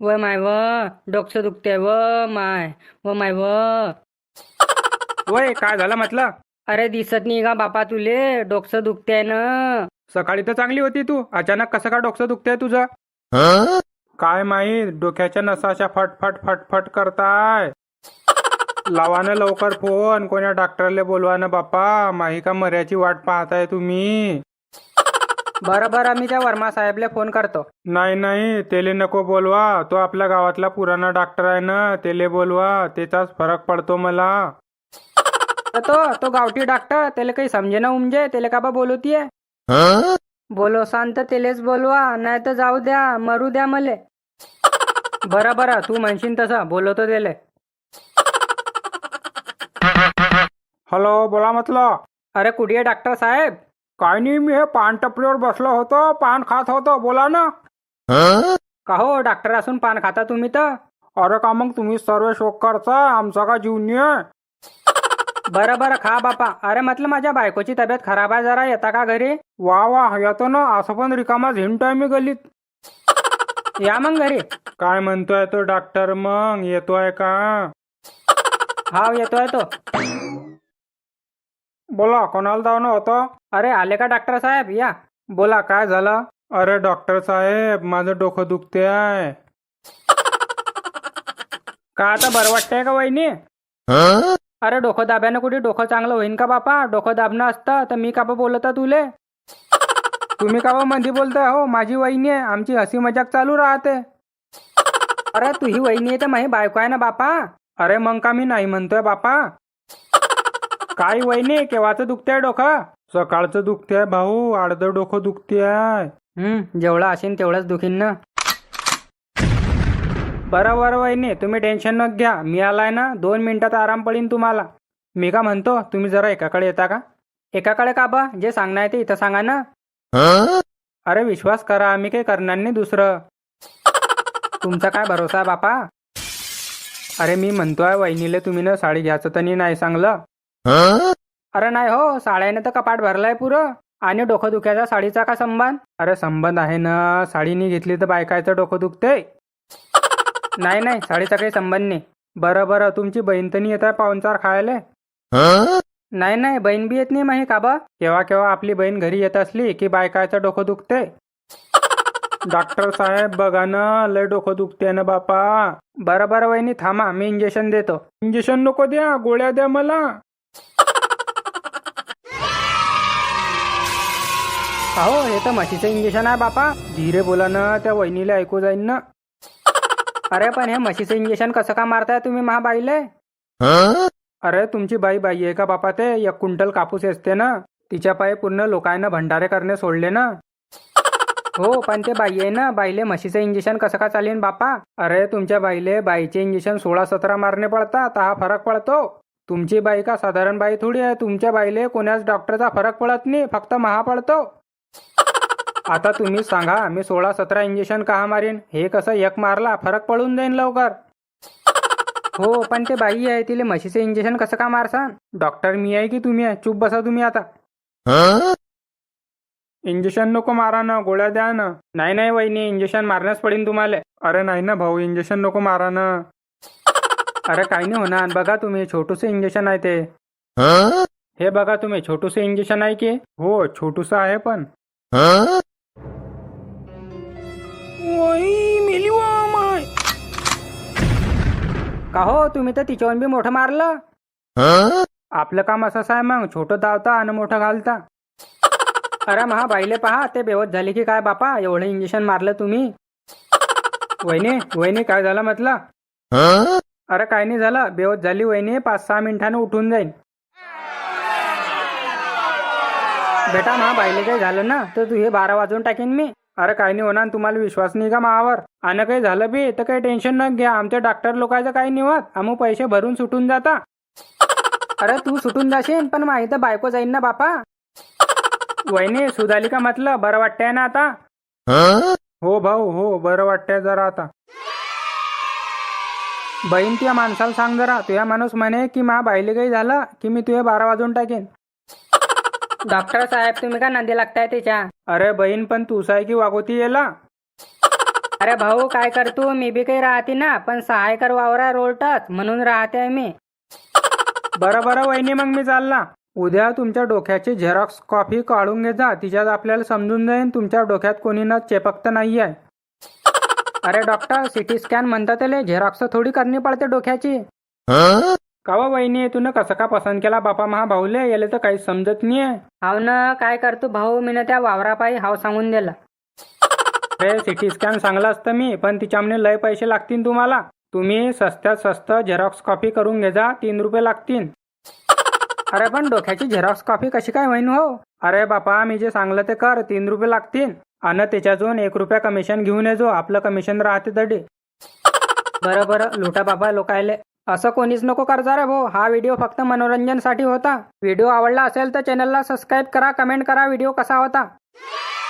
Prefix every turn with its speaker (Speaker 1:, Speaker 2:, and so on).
Speaker 1: व माय व डोकं दुखते व माय व माय व.
Speaker 2: वय काय झालं म्हटलं?
Speaker 1: अरे दिसत नाही का बापा तुले? डोकं दुखते ना.
Speaker 2: सकाळी तर चांगली होती तू, अचानक कसं काय डोकं दुखतंय तुझं? काय माहित, डोक्याच्या नसाच्या फटफट फटफट करताय. लावा ना लवकर फोन, कोण्या डॉक्टरले बोलवा ना बापा. माही का मर्याची वाट पाहताय तुम्ही?
Speaker 1: बरं बरं, मी त्या वर्मा साहेबले फोन करतो.
Speaker 2: नाही नाही, तेले नको बोलवा. तो आपल्या गावातला पुराणा डॉक्टर आहे ना, तेले बोलवा. त्याचाच फरक पडतो मला.
Speaker 1: तर तो गावठी डॉक्टर, त्याला काही समजे ना उमजे, त्याला का बा बोलवतीये? बोलो शांत, तेलेच बोलवा, नाही तर जाऊ द्या, मरू द्या मले. बरं बरं, तू म्हणशील तसं बोलवतो त्याले.
Speaker 2: हॅलो, बोला म्हटलं.
Speaker 1: अरे कुठे आहे डॉक्टर साहेब?
Speaker 2: काय नाही, मी हे पान टपरीवर बसलो होतो, पान खात होतो. बोला ना.
Speaker 1: का हो, डॉक्टर असून पान खाता तुम्ही तर?
Speaker 2: अरे का मग तुम्ही सर्व शोक करता, आमचा का जीव नाही आहे?
Speaker 1: बरं बरं, खा बापा. अरे म्हटलं माझ्या बायकोची तब्येत खराब आहे, जरा येता का घरी?
Speaker 2: वा वा, येतो ना. असं पण रिकामा झिंटोय मी गलीत.
Speaker 1: या मग घरी.
Speaker 2: काय म्हणतोय तो डॉक्टर, मग येतोय का?
Speaker 1: हाव, येतोय तो.
Speaker 2: बोला, कोणाला जाणं होतं?
Speaker 1: अरे आले का डॉक्टर साहेब? या.
Speaker 2: बोला, काय झालं? अरे डॉक्टर साहेब, माझं डोकं दुखते आहे.
Speaker 1: का आता बरं वाटतंय का वहिनी? अरे डोकं दाब्यानं कुठे डोकं चांगलं होईन का बापा? डोकं दाबणं असतं तर मी का बा बोलता तुले?
Speaker 2: तुम्ही का बा मध्ये बोलताय हो? माझी वहिनी आहे, आमची हसी मजाक चालू राहते.
Speaker 1: अरे तू ही वहिनी आहे तर माझी बायको आहे ना बापा.
Speaker 2: अरे मग का मी नाही म्हणतोय बापा? काय वहिनी, केव्हाचं दुखते डोकं? सकाळचं दुखते भाऊ, अर्धं डोकं दुखते आहे.
Speaker 1: जेवढं असेल तेवढंच दुखीन ना.
Speaker 2: बरं बरं वहिनी, तुम्ही टेन्शन न घ्या. मी आलाय ना, 2 मिनिटात आराम पडीन तुम्हाला. मी का म्हणतो, तुम्ही जरा एकाकडे येता का?
Speaker 1: एकाकडे का बा? जे सांगणार ते इथं सांगा ना.
Speaker 2: अरे विश्वास करा, मी काही करणार नाही दुसरं.
Speaker 1: तुमचा काय भरोसा आहे बापा?
Speaker 2: अरे मी म्हणतोय वहिनीले, तुम्ही ना साडी घ्यायचं तर नाही सांगलं?
Speaker 1: अरे नाही हो, साड्याने तर कपाट भरलाय पुरं. आणि डोकं दुखायचा साडीचा का संबंध?
Speaker 2: अरे संबंध आहे ना, साडी नाही घेतली तर बायकायचं डोकं दुखते.
Speaker 1: नाही नाही, साडीचा काही संबंध नाही.
Speaker 2: बरं बरं, तुमची बहीण तर नाही येत आहे पाहुणचार खायला?
Speaker 1: नाही नाही, बहीण बी येत नाही माही का बा?
Speaker 2: केव्हा केव्हा आपली बहीण घरी येत असली की बायकायचं डोकं दुखते. डॉक्टर साहेब बघा ना, लय डोकं दुखते ना बापा.
Speaker 1: बरं बरं वहिनी, थांबा, मी इंजेक्शन देतो.
Speaker 2: इंजेक्शन नको द्या, गोळ्या द्या मला.
Speaker 1: हो, हे तर म्हशीचं इंजेक्शन आहे बापा.
Speaker 2: धीरे बोला ना, त्या वहिनीला ऐकू जाईन ना.
Speaker 1: अरे पण हे म्हशीचं इंजेक्शन कसं का मारताय तुम्ही महाबाईले?
Speaker 2: अरे तुमची बाई आहे का बापा? ते 1 क्विंटल कापूस असते ना, तिच्या पायी पूर्ण लोकांना भंडारे करणे सोडले ना.
Speaker 1: हो, पण ते बाई आहे ना, बाईले म्हशीचं इंजेक्शन कसं का चालेल बापा?
Speaker 2: अरे तुमच्या बाईले बाईचे इंजेक्शन 16-17 मारणे पडतात, हा फरक पडतो. तुमची बाई का साधारण बाई थोडी आहे. तुमच्या बाईले कोणाच डॉक्टरचा फरक पडत नाही, फक्त महा पडतो. आता तुम्ही सांगा, मी 16-17 इंजेक्शन का मारीन? हे कसं एक मारला फरक पडून जाईन लवकर.
Speaker 1: हो, पण ते बाई आहे, तिले म्हशीचं इंजेक्शन कसं का मारसान?
Speaker 2: डॉक्टर मी आहे की तुम्ही आहे? चुप बसा तुम्ही आता. इंजेक्शन नको मारा ना, गोळ्या द्या ना. नाही नाही वहिनी, इंजेक्शन मारण्यास पडेल तुम्हाला. अरे नाही ना भाऊ, इंजेक्शन नको मारा ना.
Speaker 1: अरे काही नाही होणार, बघा तुम्ही, छोटूसे इंजेक्शन आहे ते.
Speaker 2: हे बघा तुम्ही, छोटूसे इंजेक्शन आहे की? हो, छोटूस आहे पण.
Speaker 1: का हो, तुम्ही तर तिच्याहून बी मोठं मारलं.
Speaker 2: आपलं काम असंच आहे मग, छोटं धावता आणि मोठं घालता.
Speaker 1: अरे महाबाईले पहा, ते बेवत झाले की काय बापा? एवढं इंजेक्शन मारलं तुम्ही.
Speaker 2: वहिनी वहिनी, काय झालं म्हटलं? अरे काय नाही झालं, बेवत झाली वहिनी, 5-6 मिनिटानं उठून जाईन.
Speaker 1: बेटा महाबाईले काही झालं ना तर तू हे 12 वाजून टाकीन मी.
Speaker 2: अरे काही नाही होणार, तुम्हाला विश्वास नाही का मावर? आणि काही झालं बी तर काही टेन्शन न घ्या, आमच्या डॉक्टर लोकांचं काही नाही होत. आम्ही पैसे भरून सुटून जाता.
Speaker 1: अरे तू सुटून जाशील, पण माही तर बायको जाईन ना बापा.
Speaker 2: वहिनी सुधाली का म्हटलं? बरं वाटतंय ना आता? हो भाऊ, हो बरं वाटतंय जरा आता. बहीण तुझ्या माणसाला सांग जरा, तुझ्या माणूस म्हणे की मा बाईले काही झालं की मी तुझे 12 वाजून टाकेन.
Speaker 1: डॉक्टर साहेब, तुम्ही का नांदी लागताय त्याच्या?
Speaker 2: अरे बहीण, पण तूच आहे की वागोती याला?
Speaker 1: अरे भाऊ काय करतो, मी बी काही राहते ना, पण सहायकर वावरा रोडटच म्हणून राहते आहे मी.
Speaker 2: बरं बरं वहिनी, मग मी चालला. उद्या तुमच्या डोक्याची झेरॉक्स कॉपी काढून घे जा. तिच्यात आपल्याला समजून जाईन तुमच्या डोक्यात कोणी ना चेपकत नाही आहे.
Speaker 1: अरे डॉक्टर, सिटी स्कॅन म्हणतात त्याले, झेरॉक्स थोडी करणी पडते डोक्याची.
Speaker 2: कावा वहिनी, तू कसं का पसंत केला बापा महा भाऊले? याला तर काही समजत नाहीये.
Speaker 1: हाव ना, काय करतो भाऊ, मी ना त्या वावरापायी हाव सांगून दिला.
Speaker 2: अरे सिटी स्कॅन सांगला असतं मी, पण तिच्यामध्ये लय पैसे लागतील तुम्हाला. तुम्ही स्वस्तात स्वस्त झेरॉक्स कॉपी करून घे जा, 3 रुपये लागतील.
Speaker 1: अरे पण डोक्याची झेरॉक्स कॉपी कशी काय होईन हो?
Speaker 2: अरे बापा, मी जे सांगलं ते कर, 3 रुपये लागतील. आणि त्याच्यातून 1 रुपया कमिशन घेऊन ये जो, आपलं कमिशन राहते तडी.
Speaker 1: बरं बरं, लुटा बाबा लोकायले. असं कोणीच नको करजा रे भाऊ. हा व्हिडिओ फक्त मनोरंजनसाठी होता. व्हिडिओ आवडला असेल तर चॅनलला सबस्क्राईब करा, कमेंट करा व्हिडिओ कसा होता.